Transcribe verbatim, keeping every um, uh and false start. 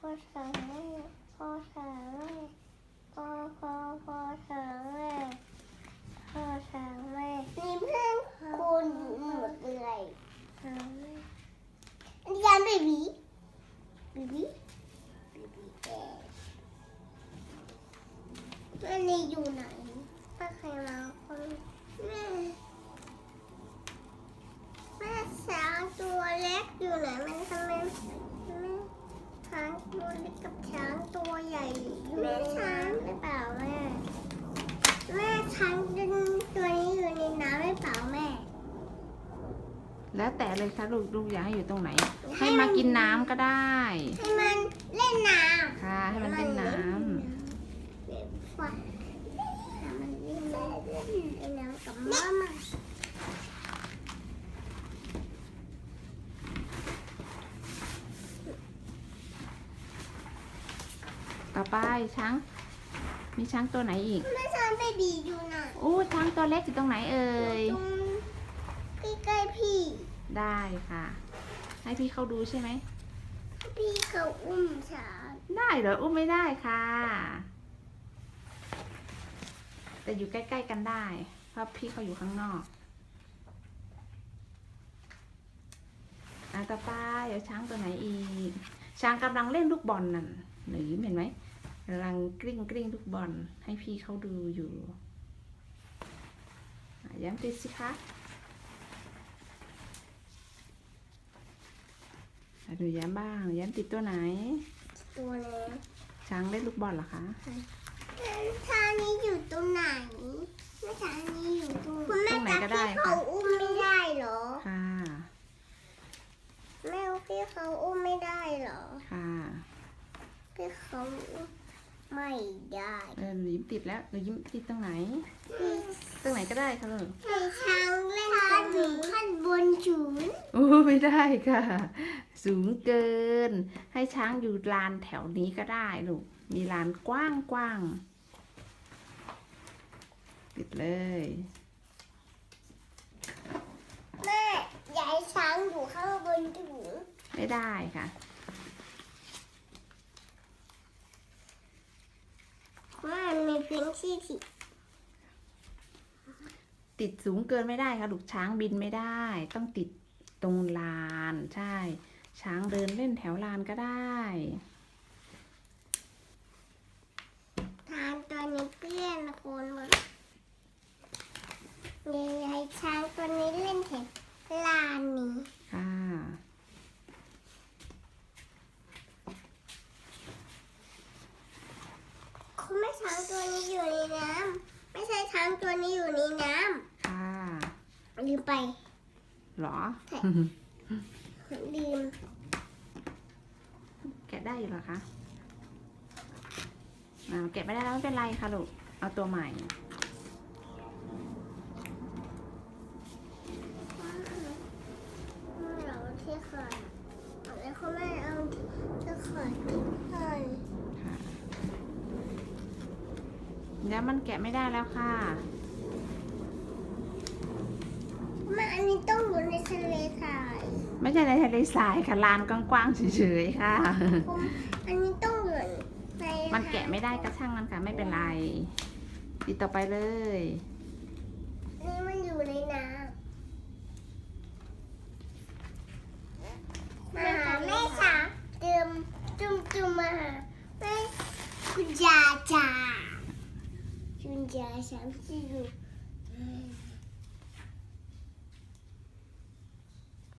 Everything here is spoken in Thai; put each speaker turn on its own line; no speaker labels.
พ่อสั่งแม่พ่อสั่งแม่พ่อพ่อพ่อสั่งแม่พ่อสั่งแม่นี่เพื่อนคุณหมดเลยสั่งแม่อันนี้ยันเบบี้เบบี้เบบี้แก่อันนี้อยู่ไหนถ้าใครมาคนแม่แม่ช้างตัวเล็กอยู่ไหนมันทำไมแม่ช้างตัวเล็กกับช้างตัวใหญ่อยู่แม่ช้างหรือเปล่าแม่แม่ช้างตัวนี้อยู่ในน้ำหรือเปล่าแม่
แล้วแต่เลยค่ะลูกลูกอยากให้อยู่ตรงไหน ให้มากินน้ำก็ได้
ให้มันเล่นน้ำ
ค่ะให้มันเล่นน้ำ
มันเล่นน้ำเล่นน้ำกับม่ามา
ต่อไปช้างมีช้างตัวไหนอีก
แม่ช้างเบบีอยู่ไหน
โอ้ช้างตัวเล็กอยู่ตรงไหนเอ่ย
ตรงใกล้ๆพี่
ได้ค่ะให้พี่เขาดูใช่ไหม
พี่เขาอุ้มช้าง
ได้เหรออุ้มไม่ได้ค่ะแต่อยู่ใกล้ๆกันได้เพราะพี่เขาอยู่ข้างนอกอ่ะต่อไปเดี๋ยวช้างตัวไหนอีกช้างกำลังเล่นลูกบอลนั่นหนูเห็นไหมกำลังกลิ้งกลิ้งลูกบอลให้พี่เขาดูอยู่ย้ำติดสิคะดูย้ำบ้างย้ำติดตัวไหน
ตัวเล็ก
ช้างเล่นลูกบอลเหรอคะ
ช้างนี้อยู่ตรงไหนแม่ช้างนี้อยู่ตรงคุณแม่จับพี่เขาอุ้มไม่ได้เหรอ
ค่ะ
แม่พี่เขาอุ้มไม่ได้เหรอ
ค่ะ
พี่เขาไม่ได้
เออหนูยิ้มติดแล้วหนูยิ้มติดตรงไหนตรงไหนก็ได้ค่ะลูก
ให้ช้างเล่นกันถึงขั้นบนสูง
โอ้ไม่ได้ค่ะสูงเกินให้ช้างอยู่ลานแถวนี้ก็ได้ลูกมีลานกว้างกว้างติดเลย
แม่อยากให้ช้างอยู่ข้างบนถึง
ไม่ได้ค่ะ
ว่ามีพื้นที่ที่
ติดสูงเกินไม่ได้ค่ะลูกช้างบินไม่ได้ต้องติดตรงลานใช่ช้างเดินเล่นแถวลานก็ได้
ทางตัวนี้เปี้ยนคนหมดยายช้างตัวนี้เล่นแถวลานนี้
ค่ะ
คุณแม่ช้างตัวนี้อยู่ในน้ำไม่ใช่ช้างตัวนี้อยู่ในน้
ำค่ะ
ลืมไป
หรอ
ลืม
แกะได้อยู่หรอคะแกะไม่ได้แล้วไม่เป็นไรค่ะลูกเอาตัวใหม่
เราที่เคยแล้วคุณแม่เอาที่เคยให้
แล้วมันแกะไม่ได้แล้วค่ะ
แม่อันนี้ต้องอยู่ในทะเลทราย
ไม่ใช่ในทะเลทรายค่ะลานกว้างๆเฉยๆค่ะ
อันนี้ต้องอยู่ใน
มันแกะไม่ได้ก็ช่างมันค่ะไม่เป็นไรติดต่อไปเลย
นี่มันอยู่ในน้ำมาหาแม่ช้างเติมจุ่มจุ่มมาหาแม่คุณยาจ่าคุณยาช้างที่อยู่